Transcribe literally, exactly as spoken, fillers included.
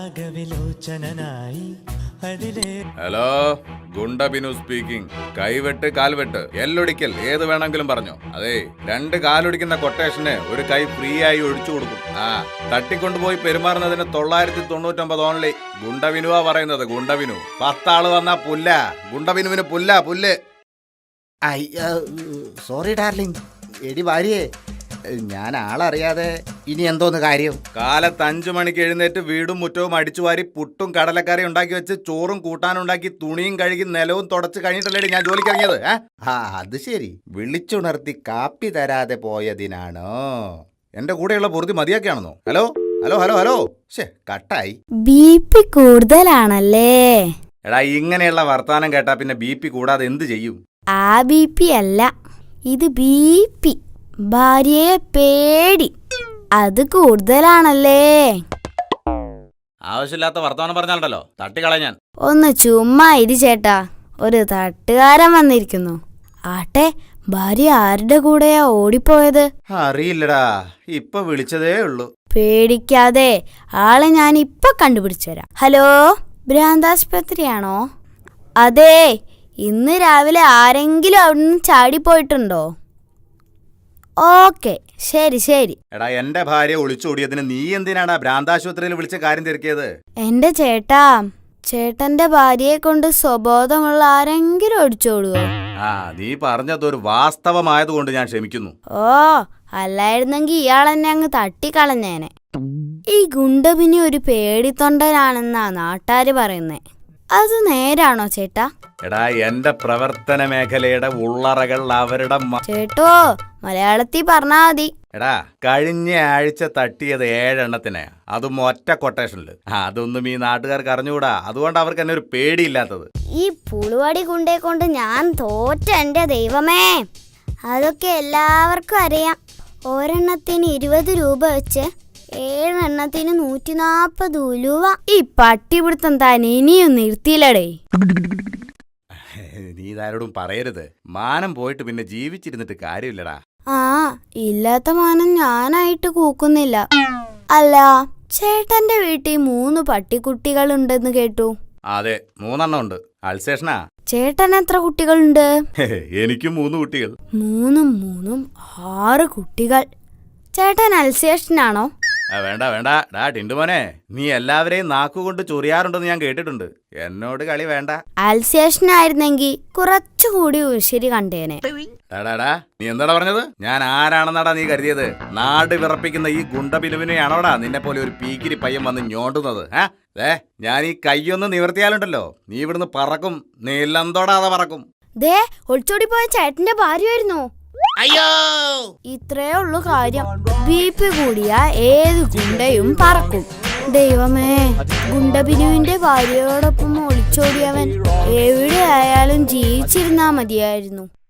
Hello, goonda Binu speaking. കൈവെട്ട് കാൽവെട്ട് എല്ലൊടിക്കൽ ഏത് വേണമെങ്കിലും പറഞ്ഞോ. അതെ, രണ്ട് കാലൊടിക്കുന്ന കൊട്ടേഷന് ഒരു കൈ ഫ്രീ ആയി ഒഴിച്ചു കൊടുക്കും. ആ തട്ടിക്കൊണ്ടുപോയി പെരുമാറുന്നതിന് തൊള്ളായിരത്തി തൊണ്ണൂറ്റൊമ്പത് ഓൺലി. ഗുണ്ടബിനുവാ പറയുന്നത്. ഗുണ്ടബിനു പത്താള് വന്നാ പുല്ല. ഗുണ്ടബിനുവിന് പുല്ല പുല്ല്. Sorry darling. എടി ഭാര്യയെ, ഞാൻ ആളറിയാതെ ഇനി എന്തോന്ന് കാര്യം. കാലത്ത് അഞ്ചു മണിക്ക് എഴുന്നേറ്റ് വീടും മുറ്റവും അടിച്ചുവാരി പുട്ടും കടലക്കറി ഉണ്ടാക്കി വെച്ച് ചോറും കൂട്ടാനുണ്ടാക്കി തുണിയും കഴുകി നിലവും തുടച്ച് കഴിഞ്ഞിട്ടല്ലേ ഞാൻ ജോലിക്ക് ഇറങ്ങിയത്. ആ അത് ശരി. വിളിച്ചുണർത്തി കാപ്പി തരാതെ പോയതിനാണോ? എന്റെ കൂടെയുള്ള പൊറുതി മതിയാക്കിയാണെന്നോ? ഹലോ ഹലോ ഹലോ ഹലോ ശേ കട്ടായി. ബി പി കൂടുതലാണല്ലേ? എടാ, ഇങ്ങനെയുള്ള വർത്താനം കേട്ടാ പിന്നെ ബി പി കൂടാതെ എന്ത് ചെയ്യും? ആ ബി പി അല്ല, ഇത് ബി പി. ഭാര്യയെ പേടി, അത് കൂടുതലാണല്ലേ? ആവശ്യമില്ലാത്ത വർത്തമാനം പറഞ്ഞാലുണ്ടല്ലോ തട്ടിക്കളയാൻ ഞാൻ. ഒന്ന് ചുമ്മാ ഇരി ചേട്ടാ, ഒരു തട്ടുകാരൻ വന്നിരിക്കുന്നു. ആട്ടെ, ഭാര്യ ആരുടെ കൂടെയാ ഓടിപ്പോയത്? അറിയില്ലടാ, ഇപ്പൊ വിളിച്ചതേ ഉള്ളൂ. പേടിക്കാതെ, ആളെ ഞാൻ ഇപ്പൊ കണ്ടുപിടിച്ചു തരാം. ഹലോ, ഭ്രാന്താശുപത്രിയാണോ? അതെ, ഇന്ന് രാവിലെ ആരെങ്കിലും അവിടുന്ന് ചാടിപ്പോയിട്ടുണ്ടോ? ഓക്കെ, ശരി ശരി. എടാ, എന്റെ ഭാര്യ ഒളിച്ചോടിയതിന് നീ എന്തിനാടാ ഭ്രാന്താശുപത്രിയിൽ വിളിച്ച കാര്യം തിരക്കിയത്? എന്റെ ചേട്ടാ, ചേട്ടന്റെ ഭാര്യയെ കൊണ്ട് സ്വബോധമുള്ള ആരെങ്കിലും ഒളിച്ചോടുവോ? ആ, നീ പറഞ്ഞതൊരു വാസ്തവമായതുകൊണ്ട് ഞാൻ ക്ഷമിക്കുന്നു. ഓ, അല്ലായിരുന്നെങ്കി ഇയാളെന്നെ അങ്ങ് തട്ടിക്കളഞ്ഞേനെ. ഈ ഗുണ്ടബിനി ഒരു പേടിത്തൊണ്ടനാണെന്നാ നാട്ടാര് പറയുന്നേ. അത് നേരാണോ ചേട്ടാ? എടാ, എന്റെ പ്രവർത്തന മേഖലയുടെ ഉള്ളറകൾ അവരുടെ ചേട്ടോ, മലയാളത്തിൽ പറഞ്ഞാ മതി. എടാ, കഴിഞ്ഞ ആഴ്ച തട്ടിയത് ഏഴെണ്ണത്തിനെ, അതും ഒറ്റ കൊട്ടേഷനില്. അതൊന്നും ഈ നാട്ടുകാർക്ക് അറിഞ്ഞുകൂടാ. അതുകൊണ്ട് അവർക്ക് എന്നെ ഒരു പേടിയില്ലാത്തത്. ഈ പുളുവടി ഗുണ്ടയെ കൊണ്ട് ഞാൻ തോറ്റ എന്റെ ദൈവമേ. അതൊക്കെ എല്ലാവർക്കും അറിയാം. ഒരെണ്ണത്തിന് ഇരുപത് രൂപ വെച്ച് ഏഴെണ്ണത്തിന് നൂറ്റി നാപ്പത് ഉലുവ. ഈ പട്ടിപിടുത്തം താൻ ഇനിയും നിർത്തിയില്ലടേ. നീ ഇതാരോടും പറയരുത്. മാനം പോയിട്ട് പിന്നെ ജീവിച്ചിരുന്നിട്ട് കാര്യമില്ലടാ. ആ, ഇല്ലാത്ത മാനം ഞാനായിട്ട് കൂക്കുന്നില്ല. അല്ല, ചേട്ടന്റെ വീട്ടിൽ മൂന്ന് പട്ടിക്കുട്ടികളുണ്ടെന്ന് കേട്ടു. അതെ, മൂന്നെണ്ണം ഉണ്ട്. അൾസേഷനാ. ചേട്ടൻ എത്ര കുട്ടികളുണ്ട്? എനിക്കും മൂന്ന് കുട്ടികൾ. മൂന്നും മൂന്നും ആറ് കുട്ടികൾ. ചേട്ടൻ അൽസേഷനാണോ? വേണ്ട വേണ്ട ഡാ ടിൻഡുമോനെ, നീ എല്ലാവരെയും നാക്കുകൊണ്ട് ചൊറിയാറുണ്ടെന്ന് ഞാൻ കേട്ടിട്ടുണ്ട്. എന്നോട് കളി വേണ്ട. അൽസേഷനായിരുന്നെങ്കി കുറച്ചുകൂടി ഉശിരി കണ്ടേനെ. ടാടാ, നീ എന്താടാ പറഞ്ഞത്? ഞാൻ ആരാണെന്നാടാ നീ കരുതിയത്? നാട് വിറപ്പിക്കുന്ന ഈ ഗുണ്ടബിനുവിനെയാണോടാ നിന്നെ പോലെ ഒരു പീക്കിരി പയ്യൻ വന്ന് ഞോണ്ടുന്നത്? ഏ, ഞാൻ ഈ കയ്യൊന്ന് നിവർത്തിയാലുണ്ടല്ലോ, നീ ഇവിടുന്ന് പറക്കും. നീലന്തോടാതെ പറക്കും. ദേ, ഒളിച്ചോടി പോയ ചേട്ടന്റെ ഭാര്യയായിരുന്നു. അയ്യോ, ഇത്രേ ഉള്ളു കാര്യം. ബി പി കൂടിയ ഏത് ഗുണ്ടയും പറക്കും. ദൈവമേ, ഗുണ്ടബിനുവിന്റെ ഭാര്യയോടൊപ്പം ഒളിച്ചോടിയവൻ എവിടെയായാലും ജീവിച്ചിരുന്നാ മതിയായിരുന്നു.